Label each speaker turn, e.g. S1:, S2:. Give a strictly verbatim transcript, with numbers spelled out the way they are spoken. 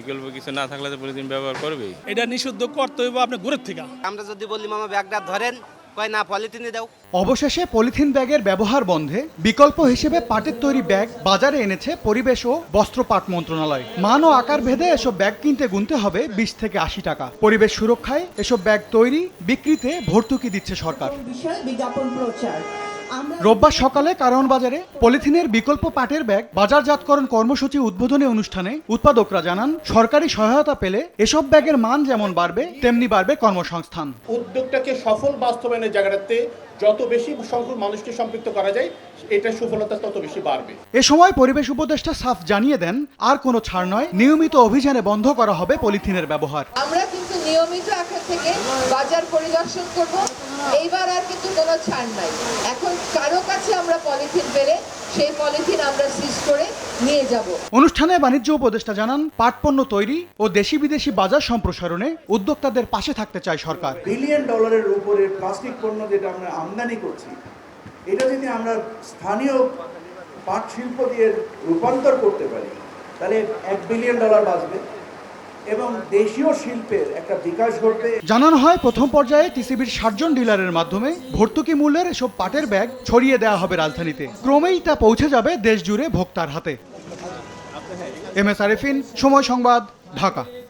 S1: বিকল্প কিছু না থাকলে তো পলিথিন ব্যবহার করবেই।
S2: এটা নিষিদ্ধ করতে হইব আপনি ঘুরের থেকে।
S3: আমরা যদি বলি মামা ব্যাগটা ধরেন, কয় না পলিথিনে দাও।
S4: অবশেষে পলিথিন ব্যাগের ব্যবহার বন্ধে বিকল্প হিসেবে পাটের তৈরি ব্যাগ বাজারে এনেছে পরিবেশ ও বস্ত্র পাট মন্ত্রণালয়। মান ও আকার ভেদে এসব ব্যাগ কিনতে গুনতে হবে বিশ থেকে আশি টাকা। পরিবেশ সুরক্ষায় এসব ব্যাগ তৈরি বিক্রিতে ভর্তুকি দিচ্ছে সরকার।
S5: বিজ্ঞাপন প্রচার
S4: রোববার সকালে কারওয়ান বাজারে পলিথিনের বিকল্প পাটের ব্যাগ বাজারজাতকরণ কর্মসূচি উদ্বোধনী অনুষ্ঠানে উৎপাদকরা জানান, সরকারি সহায়তা পেলে এসব ব্যাগের মান যেমন বাড়বে তেমনি বাড়বে কর্মসংস্থান।
S6: উদ্যোগটাকে সফল বাস্তবায়নের জায়গাটাতে যত বেশি সংখ্যক মানুষকে সম্পৃক্ত করা যায়, এটা সফলতা তত বেশি বাড়বে।
S4: এ সময় পরিবেশ উপদেষ্টা সাফ জানিয়ে দেন, আর কোনো ছাড় নয়, নিয়মিত অভিযানে বন্ধ করা হবে পলিথিনের ব্যবহার।
S7: আমরা কিন্তু নিয়মিত এখন থেকে বাজার পরিদর্শন করব। এইবার আর কিন্তু কোনো ছাড় নাই। এখন কারো কাছে আমরা পলিথিন পেলে সেই পলিথিন আমরা সিজ করে নিয়ে যাব।
S4: অনুষ্ঠানে বাণিজ্য উপদেষ্টা জানান, পাট পণ্য তৈরি ও দেশি বিদেশি বাজার সম্প্রসারণে উদ্যোক্তাদের পাশে থাকতে চায় সরকার।
S8: বিলিয়ন ডলারের উপরে প্লাস্টিক পণ্য যেটা আমরা আমদানি করছি, এটা যদি আমরা স্থানীয় পাট শিল্প দিয়ে রূপান্তর করতে পারি, তাহলে এক বিলিয়ন ডলার বাঁচবে এবং দেশীয় শিল্পের একটা বিকাশ ঘটবে।
S4: জানানো হয়, প্রথম পর্যায়ে টিসিবির ষাট জন ডিলারের মাধ্যমে ভর্তুকি মূল্যের এসব পাটের ব্যাগ ছড়িয়ে দেওয়া হবে রাজধানীতে। ক্রমেই তা পৌঁছে যাবে দেশ জুড়ে ভোক্তার হাতে। এম এস আরিফিন, সময় সংবাদ, ঢাকা।